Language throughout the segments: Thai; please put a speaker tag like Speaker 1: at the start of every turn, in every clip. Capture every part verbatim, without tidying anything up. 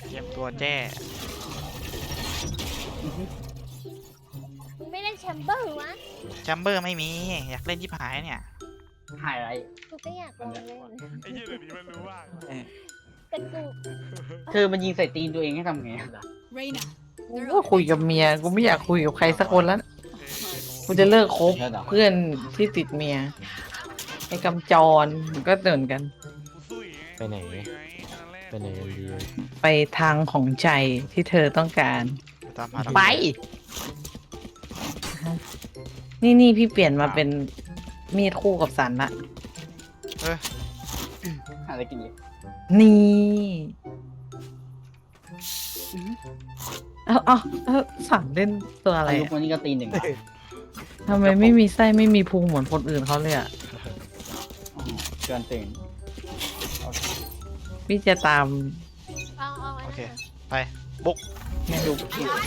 Speaker 1: เตรียมตัวแจ้
Speaker 2: มึงไม่เล่นแชมเบอร์วะ
Speaker 1: แชมเบอร์ไม่มีอยากเล่นที่ผายเนี่ย
Speaker 3: หายไร
Speaker 2: กูก็อยากลองเล่น
Speaker 4: ไอ้เหี้ยเดี๋ยวนี้มันรู้ว่า
Speaker 2: แต่กู
Speaker 3: คือมันยิงใส่ตีนตัวเองให้ทำไง
Speaker 5: กูก็คุยกับเมียกูไม่อยากคุยกับใครสักคนแล้วกูจะเลิกคบเพื่อนที่ติดเมียไอ้กำจรมันก็เตือนกัน
Speaker 4: ไปไหนไปไหนกันดี
Speaker 5: ไปทางของใจที่เธอต้องการไปนี่นี่พี่เปลี่ยนมาเป็นมีดคู่กับสันละ
Speaker 1: เออ
Speaker 3: อะไรกินอยู่
Speaker 5: นี่เอาเอาเอาสันเล่นตัวอะไร
Speaker 3: ลูกคนนี้ก็ตีหนึ่ง
Speaker 5: ทำไมไม่มีไส้ไม่มีพุงเหมือนคนอื่นเขาเลยอ่ะ
Speaker 3: เกินตื่น
Speaker 5: พี่จะตาม
Speaker 1: โอเคไปบุก
Speaker 5: ไม่ดู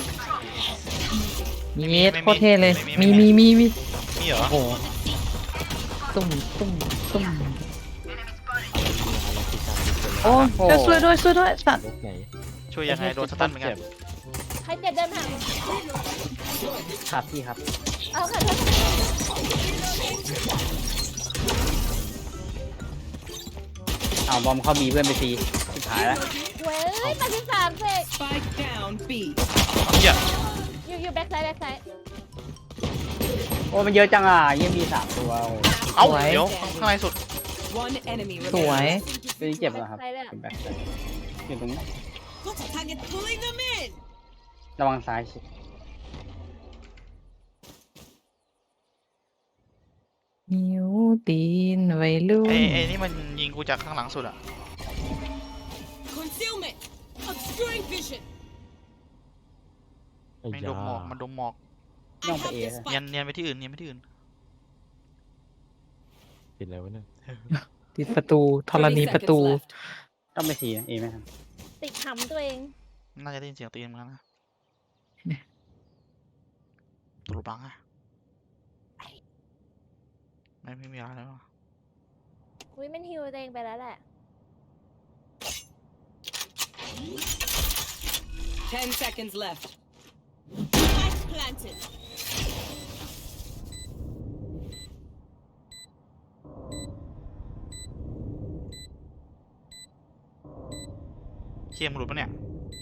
Speaker 5: มีเมสโคตรเท่เลยมีมีมีมี
Speaker 1: มีเหรอ
Speaker 5: โอ้ตุ่มตุ่มตุ่มโอ้ช่วยด้วยช่วยด้วยสัตว์
Speaker 1: ช่วยยังไงโดนสตันเหมือนกัน
Speaker 2: ใครเจ็บเดินผ่าน
Speaker 3: ครับพี่ครับ
Speaker 2: เอาค่ะ
Speaker 3: เอาบอมเข้าบีเพื่อนไปตีสุดท้ายแล้ว
Speaker 2: เว้ยมาที่สามเสก
Speaker 1: เหี้ย
Speaker 2: อยู่อยู่แบ็คไซด์แบ็คไซด์
Speaker 3: โอ้มันเยอะจังอ่ะยังมีสามตัว
Speaker 1: เอ้าเดี๋ยวข้างในสุด
Speaker 5: สวย
Speaker 3: ตัวนี้เจ็บเหรอครับเป็นแบ็คไซด์อยู่ตรงนี้ระวังซ้ายสิ
Speaker 5: นิ้วตีนไว้ลุ่น
Speaker 1: ไอ้ไอ้นี่มันยิงกูจากข้างหลังสุดอะไม่ดมหมอกมันดมหมอก
Speaker 3: ย่องไปเอ
Speaker 1: เนียนเนียนไปที่อื่นเนียนไปที่อื่น
Speaker 4: ติดอะไรวะเนี่ย
Speaker 5: ติดประตูธรณีประตู
Speaker 3: ต้องไปทีเอไหมครับ
Speaker 2: ติดขำตัวเอง
Speaker 1: น่าจะได้ยินเสียงตีนมั้งนะตลุบังอะไม่ไม่มีอะไรแล้ว
Speaker 2: อุ้ยมันฮิวตัวเองไปแล้วแหละ
Speaker 6: ten seconds left planted
Speaker 1: เชี่ยมหลุดปะเนี่ย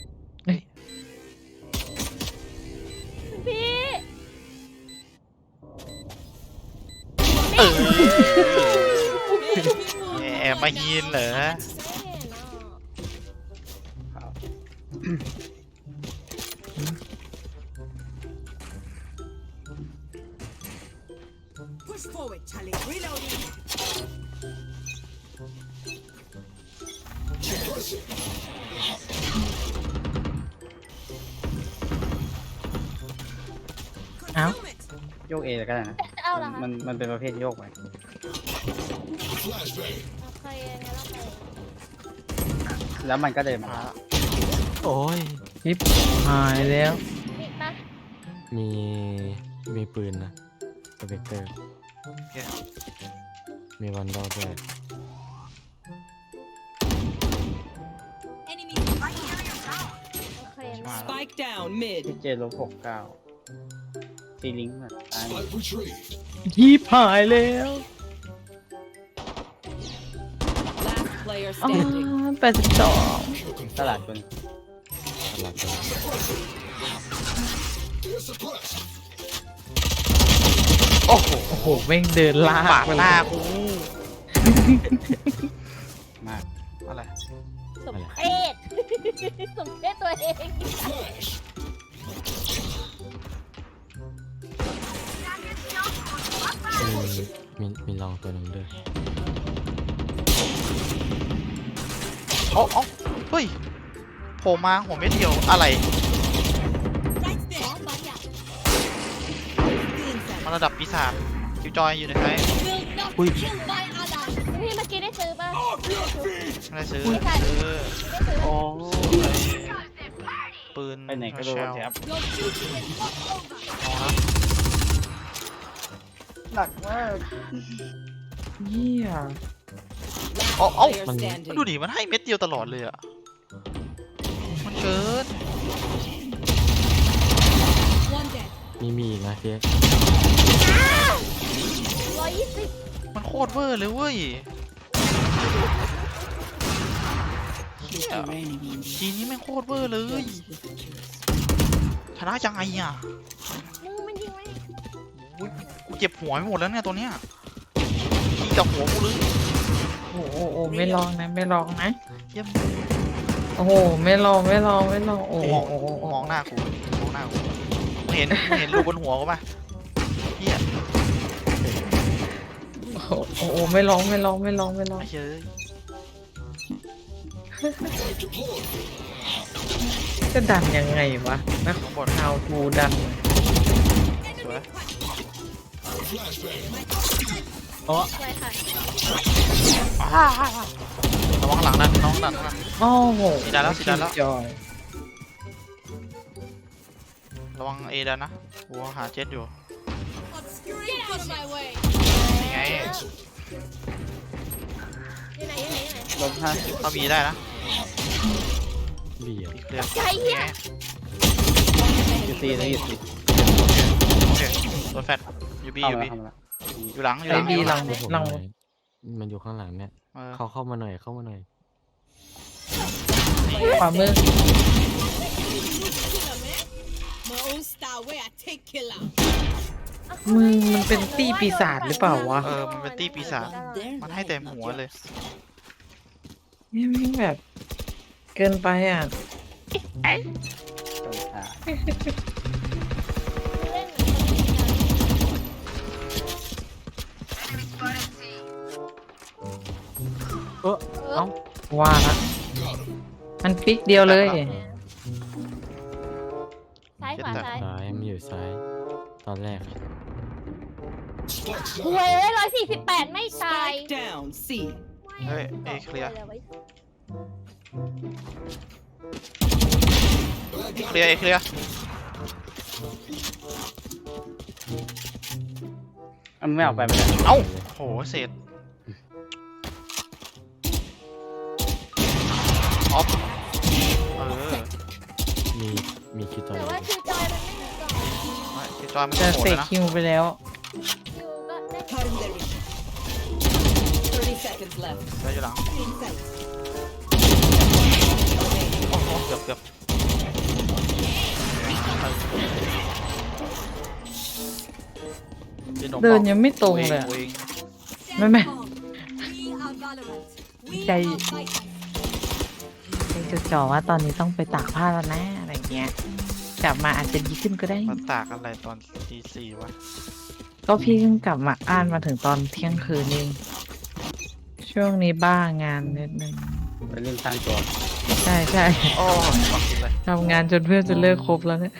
Speaker 2: พี่
Speaker 1: เออแอบมายินเหรอ
Speaker 5: เอ้า
Speaker 3: โยกเอก็ได้นะมันมันเป็นประเภทโยกไปแล้วมันก็เดินมา
Speaker 4: โอ้ย
Speaker 5: ยิบหายแล้ว
Speaker 4: มีมีปืนนะสเปกเตอร์มีวันดอด้วย
Speaker 6: Spike down mid
Speaker 3: เจลบหกเก้าตีลิงก์แบบตาย
Speaker 5: ยิบหายแล้วแปดสิบสอง
Speaker 3: ตลาดคน
Speaker 4: ตลาดคน
Speaker 1: โอ้โห
Speaker 5: โอ้โหแม่งเดินลาก
Speaker 1: ปาดหน้ากู
Speaker 3: มาก
Speaker 1: อะไร
Speaker 2: สมเพศสมเพศตัวเอง
Speaker 4: มีมีลองตัวหนึ่งด้วย
Speaker 1: โอ้โอ้เฮ้ยโผล่มาหัวเม็ดเดียวอะไรมันระดับปีศาจคิวจอยอยู่ในไทย
Speaker 4: อุ้ย
Speaker 2: พี่เมื่อกี้ได้ซื้อป่ะ
Speaker 1: ไม่ได้ซื้อ
Speaker 3: โอ้
Speaker 1: ปืน
Speaker 3: ไปไหนก็โดนแท็บหนักมาก
Speaker 5: เยี่ย
Speaker 1: โอ้โอ้มันดูดิมันให้เม็ดเดียวตลอดเลยอ่ะมัน
Speaker 4: มีมีอีกนะเจ๊
Speaker 2: ร้อยยี่สิบ
Speaker 1: มันโคตรเวอร์เลยเว้ยเหี้ยทีนี้แม่งโคตรเวอร์เลยชนะยังไงอ่ะ
Speaker 2: มึงมันยิงไหม
Speaker 1: อุ๊ยกูเจ็บหัวไปหมดแล้วเนี่ยตัวเนี้ยยิงจากหัวกูเลย
Speaker 5: โอ้โหโอ้โหไม่ลองนะไม่ลองนะ
Speaker 1: เยี่ยม
Speaker 5: โอ้โหไม่ลองไม่ลองไม่ลองโอ้โห
Speaker 1: มอง
Speaker 5: โอ้โหโอ้
Speaker 1: ม
Speaker 5: โห
Speaker 1: องหน้ากูมองหน้ากูมึงเห็นมึงเห็นรูบนหัวกูปะเฮีย
Speaker 5: โอ้โหโอ้โหไม่ลองไม่ลองไม่ลองไม่ลอง
Speaker 1: ไอ้เฮ้ย
Speaker 5: จะดันยังไงวะนะ
Speaker 1: ข้างบน
Speaker 5: เอาทูดัน
Speaker 1: สวย
Speaker 2: อะไรค่ะ
Speaker 1: อ้าวระวังหลังนะน้องหลังนะ
Speaker 5: โอ้โห
Speaker 1: สีดำแล้วสีดำแล้ว
Speaker 5: จอย
Speaker 1: ระวังเอดันนะกูหาเจ็ดอยู่
Speaker 2: Get out of my way
Speaker 1: นี่ไง
Speaker 2: อยู่ไหนอยู่ไหนอยู่ไหน
Speaker 3: ลบห้า
Speaker 1: เข้าบีได้นะ
Speaker 4: เบียด
Speaker 1: บีเคลียร์
Speaker 2: ใจเหี้ย
Speaker 3: อยู่ซีนะอยู่ซี
Speaker 1: โอเคโดนแฟดอยู่บี
Speaker 3: เข้า
Speaker 1: อยู่
Speaker 3: มา
Speaker 1: บี
Speaker 3: เข้ามา
Speaker 1: อยู่หลังอยู่
Speaker 5: ไอ
Speaker 1: หลัง
Speaker 5: บี
Speaker 1: อยู่
Speaker 5: ห
Speaker 1: ห
Speaker 5: ลั
Speaker 1: ลั
Speaker 5: ง
Speaker 1: ง
Speaker 5: หลัง
Speaker 4: มันอยู่ข้างหลังเนี่ย
Speaker 1: เออ
Speaker 4: เขาเข้ามาหน่อยเข้ามาหน่อย
Speaker 5: ขวามือ
Speaker 6: My own style where I take killer.
Speaker 5: มึงมันเป็นตี้ปีศาจหรือเปล่าวะ
Speaker 1: เออมันเป็นตี้ปีศาจมันให้เต็มหัวเลย
Speaker 5: นี่แม่งแบบ เกินไปอ่ะ
Speaker 3: ตรงขา
Speaker 2: เล่น
Speaker 4: เออเอ้า
Speaker 5: ว่าละมันพลิกเดียวเลย
Speaker 2: ซ้ายขวาซ้าย
Speaker 4: ซ้ายมันอยู่ซ้าย ตอนแรก
Speaker 2: หวยเลยร้อยสี่สิบแปดไม่ตาย
Speaker 6: Spike down. C.
Speaker 1: เฮ้ยเอเคลียร์เคลียร์เอเคลียร์
Speaker 3: มันไม่ออกไปไม่ได้
Speaker 1: เอ้าโหเศษออฟเออ
Speaker 4: มีมีคิวตอน
Speaker 2: แต่ว่าคิวจอยมันไม่มีกล่อง
Speaker 1: ไม่คือจอยมัน
Speaker 5: จะ
Speaker 1: โหด
Speaker 5: เส
Speaker 1: เล
Speaker 5: ก
Speaker 1: ยนะ
Speaker 5: คิวไปแล้ว
Speaker 2: คิวก็ได้
Speaker 6: Cutlery. Thirty seconds left.
Speaker 1: ได้อยู่หลัง
Speaker 6: Inside.
Speaker 1: โอ้โหเกือบเกือบพี่ห
Speaker 5: เดิน
Speaker 1: บอก
Speaker 5: ยังไม่ตรงเลยอะ
Speaker 1: วง
Speaker 5: ไม่ไม่ ใจ ใจจดจ่อว่าตอนนี้ต้องไปตากผ้าแล้วนะอะไรเงี้ยกลับมาอาจจะดีขึ้นก็ได้
Speaker 1: มาตากอะไรตอนตีสี่วะ
Speaker 5: ก็พี่เพิ่งกลับมาอ่านมาถึงตอนเที่ยงคืนเองช่วงนี้บ้างานนิดนึง
Speaker 3: ไปเล่นสร้างตัว
Speaker 5: ใช่ใช่
Speaker 1: โอ้ฟังกินเลย
Speaker 5: ทำงานจนเพื่อนจะเลิกครบแล้วเนี่ย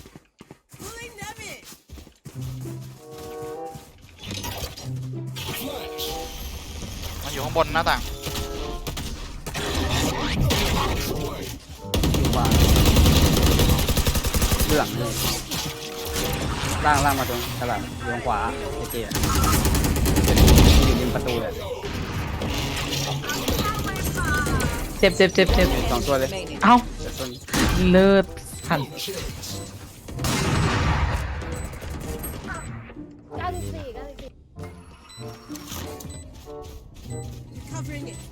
Speaker 1: มันอยู่ข้างบนหน้าต่าง
Speaker 3: อยู่ขวาเบื้องเลยล่างล่างมาตรงกระหล่ำอยู่ทางขวาเจเจอะอยู่ริมประตูเลย
Speaker 5: เจ็บเจ็บเจ็บเจ็บ
Speaker 3: สองตัวเลย
Speaker 6: Remaining.
Speaker 5: เอ้า
Speaker 3: เดี๋ยวต้น
Speaker 5: เลิศสั่น
Speaker 2: เก้าสิบสี่เก้าสิบสี่
Speaker 6: Covering it.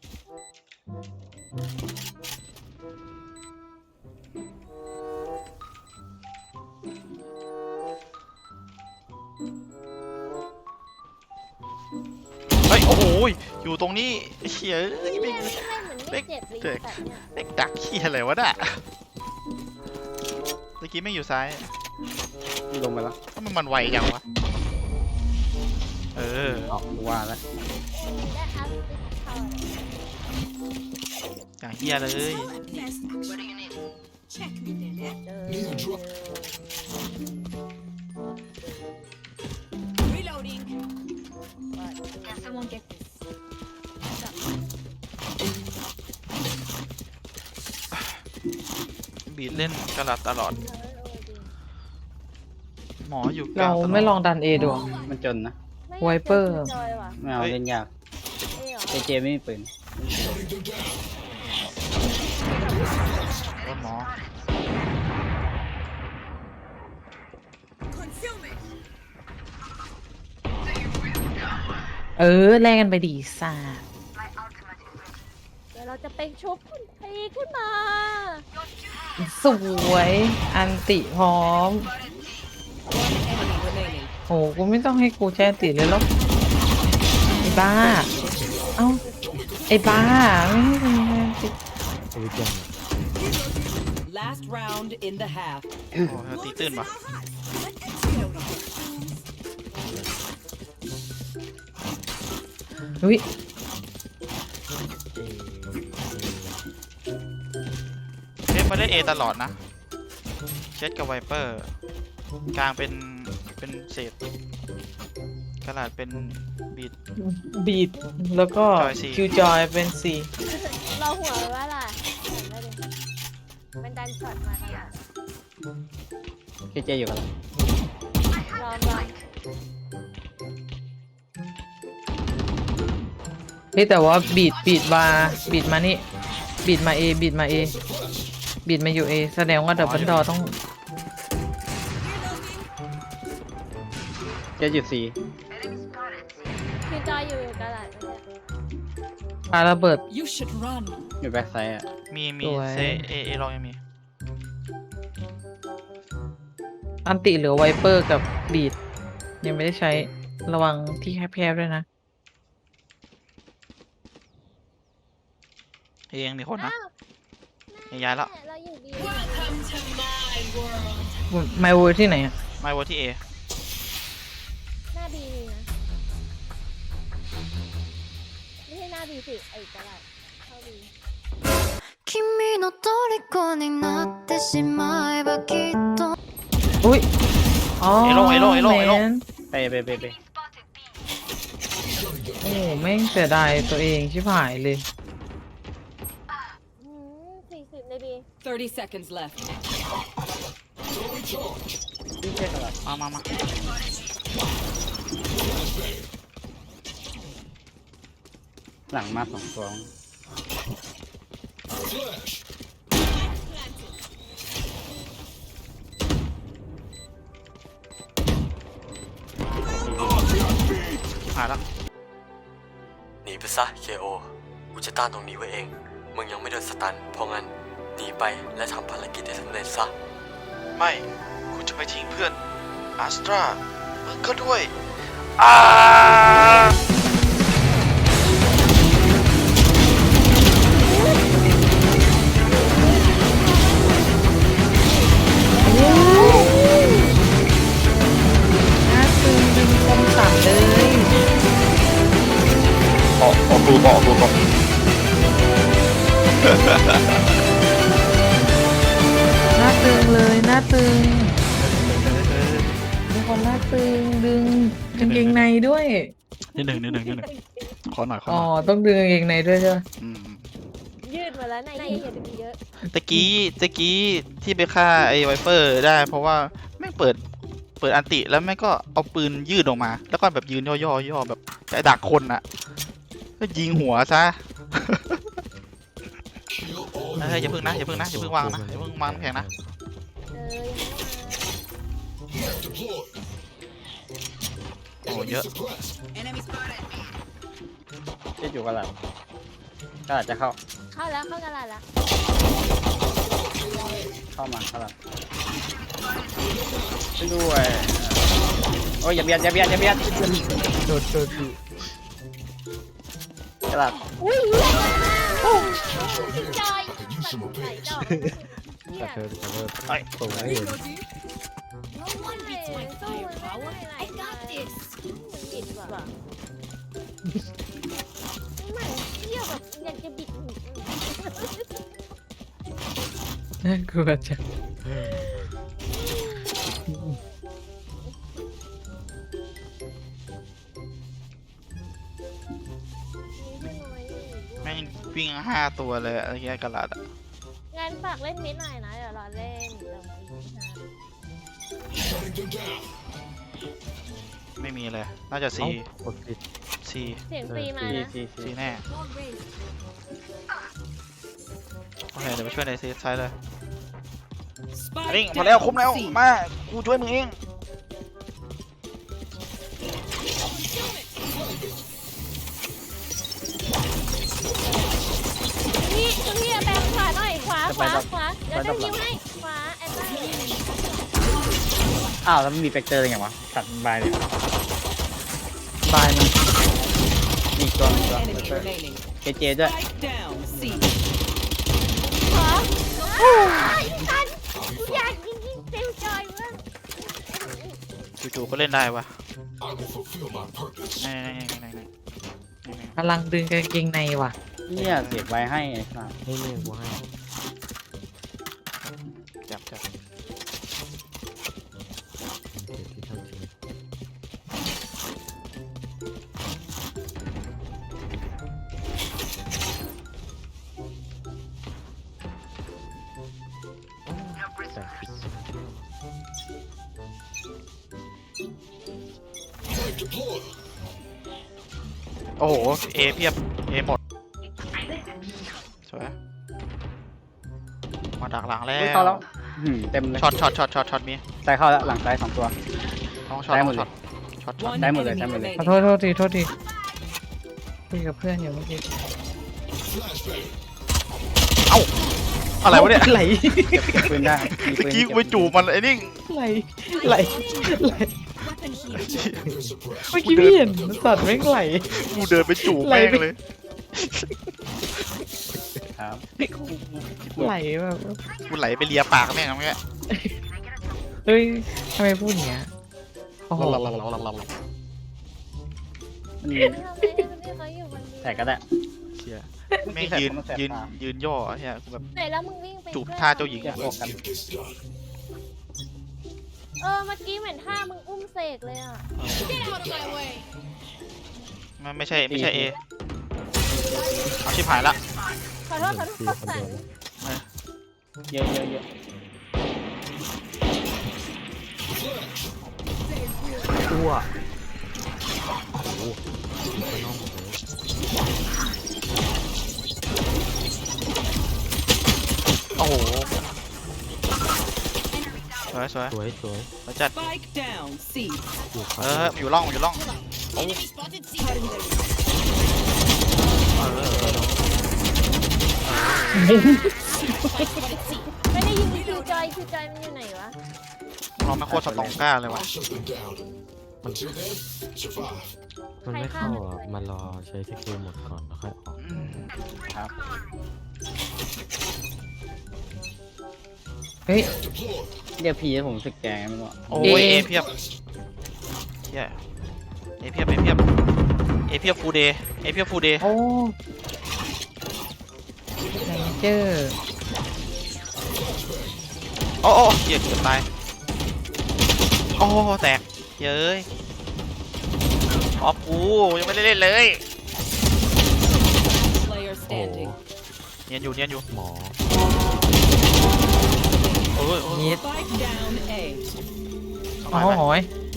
Speaker 1: เฮ้ยโอ้โหอยู่ตรงนี้เฮียเอ้ย
Speaker 2: ไม่
Speaker 1: ไม่
Speaker 2: ไม่เหมือนไม่เจ็บเลยแต่เนี่ย
Speaker 1: เด็กดักเฮียอะไรวะน่ะเมื่อกี้ไม่อยู่ซ้าย
Speaker 3: ลงไปแล้ว
Speaker 1: ทำไมมันไวจังวะเออ
Speaker 3: ออกว่าแล้ว
Speaker 2: และอัพติคาร์
Speaker 1: อย่างเฮียเลย
Speaker 6: Check me then.
Speaker 2: เจอ
Speaker 6: Reloading.
Speaker 2: Can someone get this
Speaker 1: บีดเล่นกระลัดตลอด หมออยู่กลา
Speaker 5: เรา
Speaker 1: งตลอด
Speaker 5: ไม่ลองดันเอดู
Speaker 3: มันจนนะ
Speaker 5: ไวเปอร์
Speaker 2: จอยว่ะ
Speaker 3: ไม่เอาเล่นยาก
Speaker 2: เอ้ยเหรอ
Speaker 3: เจเจไม่มีปืน
Speaker 1: รถหมอ
Speaker 5: เออแลกกันไปดีซ่า
Speaker 2: เดี๋ยวเราจะไปชุบคุณพีขึ้นมา
Speaker 5: สวยอันติพร้อม
Speaker 6: One enemy remaining.
Speaker 5: โหกูไม่ต้องให้กูแช่ติเลยหรอกไอ้บ้า เอ้าไอ้บ้าไม่ให้กูแช่ติ
Speaker 4: ชีวิตยัง
Speaker 6: Last round in the half.
Speaker 1: โอ้ตีตื้นปะ
Speaker 5: อุ้ย
Speaker 1: เล่นมาได้เอตลอดนะเช็ดกับไวเปอร์กลางเป็นเป็นเศษกระดาษเป็นบีด
Speaker 5: บีดแล้วก็
Speaker 1: จอยสี่
Speaker 5: คิวจอยเป็นสี่
Speaker 2: เราหัวไว้ว่าล่ะเห็นไหมดิมันดันช็อตมาขนาด
Speaker 3: เคเจอยู่กับเรา
Speaker 2: ลองลอง
Speaker 5: เฮ้ยแต่ว่าบีดบีดมาบีดมานี่บีดมาเอบีดมาเอบีดมาอยู่เอแสดงว่าดับเบิลดอต้อง
Speaker 3: เจอยู่ซี
Speaker 2: คือจอยอยู่กระดาษเนี่ย
Speaker 5: ปาระเบิด
Speaker 6: You should run.
Speaker 3: อยู่แบ็คไซด์อ่ะ
Speaker 1: มีมี
Speaker 5: สวย
Speaker 1: เซเอเอลองยังมี
Speaker 5: อันติเหลือไวเปอร์กับบีดยังไม่ได้ใช้ระวังที่แคบๆด้วยนะ
Speaker 1: เอยังมีคนนะ
Speaker 2: อ้าว
Speaker 1: เอย้ายแล้ว
Speaker 2: แม่เราอยู่ดี
Speaker 5: ไมโวที่ไหนอ่ะ
Speaker 1: ไม่วัที่เอ
Speaker 2: หน้าบีนะไม่ใช่หน้าบีสิไอ้กระดาษเข้าบี
Speaker 7: 君の虜になってしまえばきっと
Speaker 5: อุ้ยอ๋อ
Speaker 1: เอลงเอลงเอลงเอลง
Speaker 5: แมน
Speaker 3: ไปไปไปไป
Speaker 5: โอ้แม่งเสียดายตัวเองชิบหายเลย
Speaker 2: อืมสี่สิบในบี
Speaker 6: thirty seconds left.
Speaker 1: มามามา
Speaker 3: หลังมาสองตัว
Speaker 1: หายแล้ว
Speaker 8: หนีไปซะ เค โอ กูจะต้านตรงนี้ไว้เอง มึงยังไม่โดนสตัน เพราะงั้นหนีไปและทำภารกิจให้สำเร็จซะ
Speaker 1: ไม่คุณจะไปทิ้งเพื่อนอาสตรามึงก็ด้วยอ้า
Speaker 5: น่าตึงดึงคมสันเลย
Speaker 1: ออกออกดูบอกดูบอก
Speaker 5: น่าตึงเลยน่าตึงมีคนน่าตึงดึงกางเกงในด้วย
Speaker 1: นิดหนึ่งนิดหนึ่งนิดหนึ่งขอหน่อยขอห
Speaker 5: อ๋อ
Speaker 1: น่อย
Speaker 5: ต้องดึงกางเกงในด้วยใช่ไหม
Speaker 1: ม
Speaker 2: ยืดมาแล้วในอย่าดึงเยอะ
Speaker 1: ตะกี้ตะกี้ที่ไปฆ่าไอ้ไวเปอร์ได้ เพราะว่าแม่งเปิดเปิดอันติแล้วแม่งก็เอาปืนยืดออกมา แล้วก็แบบยืนย่อย่อย่อแบบจะดักคนอะก็ยิงหัวซะ เฮ้ยอย่าพึ่งนะอย่าพึ่งนะอย่าพึ่งวางนะอย่าพึ่งวางน้ำแข็งนะ
Speaker 2: เออยังไม่มา
Speaker 1: โอ้เยอะ
Speaker 3: เจอยู่กับเราก็อาจจะเข้า
Speaker 2: เข้าแล้วเข้ากระดาษแล้ว
Speaker 3: เข้ามาเข้ามาช่วยด้วยโอ้ยอย่าเบียดอย่าเบียดอย่าเบียด
Speaker 4: โดดโดดดิ
Speaker 3: กระดาษ
Speaker 2: อุ้ยเหี้ยโอ้ยจอยตัดไหนจอยเหี้ย
Speaker 4: กระเทินกระเทิน
Speaker 1: ไอ้
Speaker 4: ตรงนี้
Speaker 2: สู้มันไม่ได้
Speaker 7: I got this
Speaker 2: บิดว่ะมันเที่ยวแบบอยากจะบิด
Speaker 5: น่ากลัวจัง
Speaker 1: แม่งวิ่งห้าตัวเลยอะไรเงี้ยกระดาษอะ
Speaker 2: งานฝากเล่นมิดหน่อยนะ เดี๋ยวรอเล่นเดี๋ยวอีกนะ
Speaker 1: ไม่มีเลยน่าจะซี
Speaker 4: เอ้ากดผิด
Speaker 1: ซี
Speaker 2: เสียงฟรีมา
Speaker 3: ซี
Speaker 2: นะ
Speaker 3: ซีซี
Speaker 1: ซีแน่โอเคเดี๋ยวไปช่วยในซีไซด์เลย
Speaker 6: Spike
Speaker 1: นี่มาแล้ว
Speaker 6: down
Speaker 1: คุ้มแล้ว
Speaker 6: C.
Speaker 1: มากูช่วยมึงเอง
Speaker 2: ขวาขวาเดี๋ยวจะยิงให้ขวาแอนต้า
Speaker 3: อ้าวแล้วมันมีเฟกเตอร์อะไรอย่างวะตัดบายเลย
Speaker 5: บายมัน
Speaker 3: อีกตัวอีก
Speaker 6: One
Speaker 3: ตัว
Speaker 6: enemy remaining.
Speaker 3: เจเจด้วย
Speaker 6: Spike down. C.
Speaker 2: ขวาโอ้ยทันกูอยากยิงยิงเซลจอยมาก
Speaker 1: จู่ๆก็เล่นได้วะนี่นี่นี่นี่
Speaker 5: กำลังดึงกางเกงในว่ะ
Speaker 3: เนี่ยเสียบไว้ให้ไอ้สัส
Speaker 4: นี่นี่กูให้
Speaker 1: จับจับ
Speaker 4: เดี๋ยวที่เท่าทีแต่ผิด
Speaker 1: โอ้โหเอเพียบเอหมดสวยมาดักหลังแล้
Speaker 3: เฮ้ยเข้าว แล้วหืมเต็มเลย
Speaker 1: ช็อตช็อตช็อตช็อตช็อตมี
Speaker 3: ซ้ายเข้าแล้วหลังซ้ายสองตัว
Speaker 1: ต้องช็อต
Speaker 3: ได้
Speaker 1: ต้
Speaker 3: หม
Speaker 1: อ
Speaker 3: ด
Speaker 1: ง
Speaker 3: เล
Speaker 1: ช็อย ตช็อตช็อต
Speaker 6: One
Speaker 3: ได้หมดเลย
Speaker 6: enemy
Speaker 3: ได้หมดเลย
Speaker 5: ขอ
Speaker 6: remaining.
Speaker 5: โทษโทษทีโทษทีคุยกับเพื่อนอยู่เมื่อกี้
Speaker 1: อะไรวะเนี่ย
Speaker 5: ไหล
Speaker 3: เก็บเก็บปืนได้มีปื
Speaker 1: เมื่อน กี้กูไปจูบมันไอ้นี่
Speaker 5: ไหลไหลไหลเมื่อกี้พี่เห็นสัตว์แม่งไหล
Speaker 1: กูเดินไปจูบแม่งเลย
Speaker 3: ครับ
Speaker 5: ไหลแบบ
Speaker 1: กูไหลไปเลียปากแม่งเมื่อกี้
Speaker 5: เฮ้ยทำไมพูดอย่างเงี้ยโอ้โห
Speaker 3: มัน
Speaker 2: ทำไมเขาอยู่บนนี้
Speaker 3: แต่ก็ได้
Speaker 1: เชี่ยแม่งยืนยืนยืนย่อเฮียกูแบบ
Speaker 2: ไหนแล้วมึงวิ่งไป
Speaker 1: จูบท่าเจ้าหญิง
Speaker 3: แยก
Speaker 1: อะ
Speaker 3: ออกกัน
Speaker 2: เออเมื่อกี้เหมือนท่ามึงอุ้มเสกเลยอ่ะ
Speaker 1: มันไม่ใช่ไม่ใช่เอเอาชิบหายละ
Speaker 2: ขอโทษขอโทษขอสัน
Speaker 3: เยอะเยอะเยอะ
Speaker 5: ตัว
Speaker 1: โอ้โหสวยสวย
Speaker 4: สวยสวย
Speaker 1: สวยจัด
Speaker 6: Spike down. C.
Speaker 4: อยู่ข
Speaker 1: เอ
Speaker 4: วา
Speaker 1: ออยู่ร่องอยู่ร่องโอ้เออเออ
Speaker 2: ไม่ได้ยิงคิวจอยคิวจอยมันอยู่ไหนวะ
Speaker 1: เราไม่โคตรสตองก้าเลยวะ
Speaker 4: มันไม่เข้าอ่ะมันรอใช้สกิลหมดก่อนแล้วค่อยออก
Speaker 1: อืม
Speaker 3: ครับ
Speaker 5: เฮ้ย
Speaker 3: เดี๋ยวพีให้ผมสึกแกงไม่รู้อะ
Speaker 1: โอ้ย
Speaker 5: เอ
Speaker 1: เอเพียบเฮียเอเพียบเอเพียบเอเพียบฟูเดย์เอเพียบฟูเดย์
Speaker 5: โอ้ไนเจอร์
Speaker 1: โอ้โอ้เฮียเกือบตายโอ้แตกเย้ยออฟกูยังไม่ได้เล่นเลย
Speaker 6: Player
Speaker 4: โอ้โห
Speaker 6: standing.
Speaker 1: เนียนอยู่เนียนอยู่
Speaker 4: หมอ
Speaker 1: โอ้ยโอ้ย
Speaker 5: นิด
Speaker 6: Spike down. A.
Speaker 5: อ๋อหอย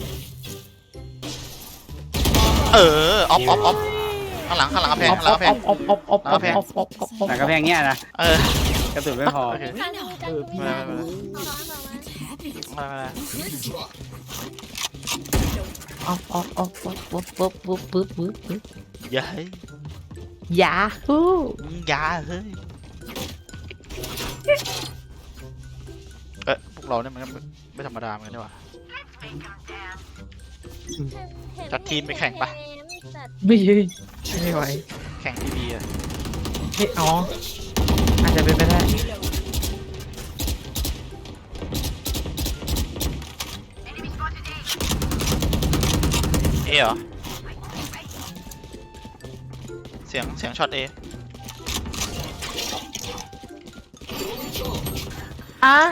Speaker 1: เออออฟออฟออฟข้างหลังข้างหลังกำแพงข้างหลังกำแพง
Speaker 5: ออฟออฟออฟออฟออฟออฟออฟออฟ
Speaker 3: แต่กระแพงเนี้ยนะ
Speaker 1: เออก
Speaker 3: ระสุนไม่พอ
Speaker 1: โอเค
Speaker 2: ทางมีจังมีจังเอามาเอามา
Speaker 1: มามามา
Speaker 5: ออฟออฟออฟออฟปุ๊บปุ๊บปุ๊บปุ๊บปุ๊บปุ๊บ
Speaker 1: อย่าเฮ้ย
Speaker 5: ยาฮู
Speaker 1: อย่าเฮ้ยเอ๊ะพวกเราเนี่ยมันก็ไม่ธรรมดาเหมือนกันนี่หว่า จัดทีมไปแข่งปะ
Speaker 2: จัด
Speaker 5: ไม่ยืนไม่ไหว
Speaker 1: แข่งทีวีอะ
Speaker 5: เฮ้ยอ๋ออาจจะเป็นไปได้
Speaker 1: เอเหรอเสียงเสียงช็อตเอ
Speaker 5: อ่ะ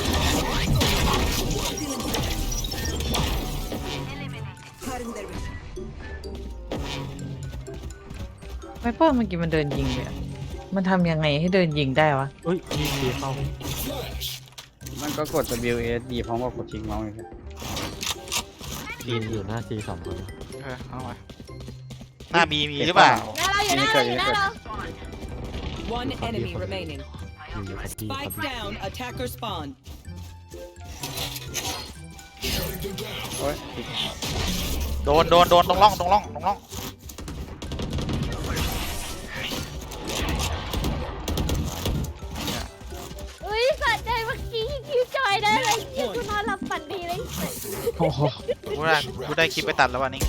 Speaker 5: ไวเปอร์เมื่อกี้มันเดินยิงเลยอะมันทำยังไงให้เดินยิงได้วะ
Speaker 4: เฮ้ยมีดีเข้า
Speaker 3: มันก็กด W A S D พร้อมกับกดชิงเมาส์เลยครับ
Speaker 4: ทีนอยู่หน้าซีสองคน
Speaker 1: เออเอาไว้หน้าบีมีหรือเปล่า
Speaker 2: หน้าเราอยู่หน้าเราอยู่หน้าเรา
Speaker 6: One enemy remaining.
Speaker 4: อยู่อยู่กับบีกับ
Speaker 6: Spike down. Attacker spawn.
Speaker 3: โอ้ย
Speaker 1: โดนโดนโดนตรงร่องตรงร่องตรงร่อง
Speaker 3: โอ้โห
Speaker 1: กูได้กูได้คลิปไปตัดแล้ววันนี้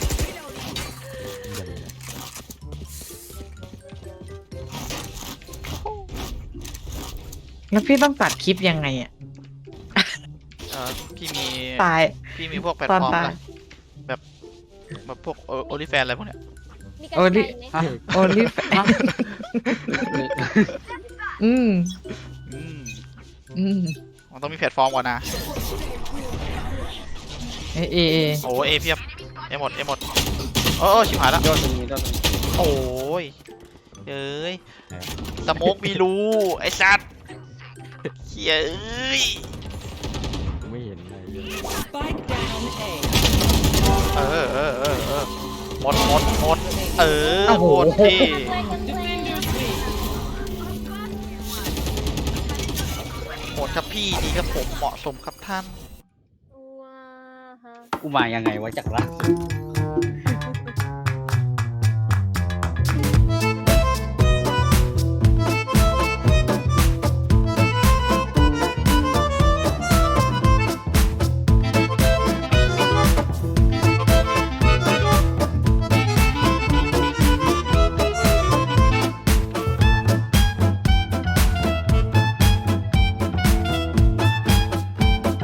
Speaker 5: แล้วพี่ต้องตัดคลิปยังไงอ่ะ
Speaker 1: เออพี่มี
Speaker 5: ตาย
Speaker 1: พี่มีพวกแพลต
Speaker 5: ตอน
Speaker 1: ฟอร์ม
Speaker 5: ตาย
Speaker 1: ละแบบแบบพวกโอลิแฟนอะไรพวกเนี้ย
Speaker 2: มีกัน
Speaker 5: โอ้
Speaker 2: ไก
Speaker 5: ดิ
Speaker 2: ลไหม
Speaker 3: ฮะ
Speaker 5: โอลิแฟนอืม
Speaker 1: อืม
Speaker 5: อืม
Speaker 1: มันต้องมีแพลตฟอร์มก่อนนะ
Speaker 5: เอเอเอ
Speaker 1: โอ้เอเพียบเอหมดเอหมดโอ้ชิบหายแล้ว
Speaker 3: ยอดตรงนี้ยอดตรงนี้
Speaker 1: โอ้ยเอ้ยสโมกมีรูไอ้สัตว์เฮียเอ้ย
Speaker 4: ไม่เห็นอะไรเลย
Speaker 6: Spike down A.
Speaker 1: เออเออเออเออหมดหมดหมดเออ
Speaker 5: โอ้โห
Speaker 1: หมดที่
Speaker 2: แรงกันแรง
Speaker 6: Defenders win.
Speaker 1: หมดครับพี่ดีครับผมเหมาะสมครับท่าน
Speaker 2: ว้าฮะ
Speaker 3: กูมายังไงวะจากละ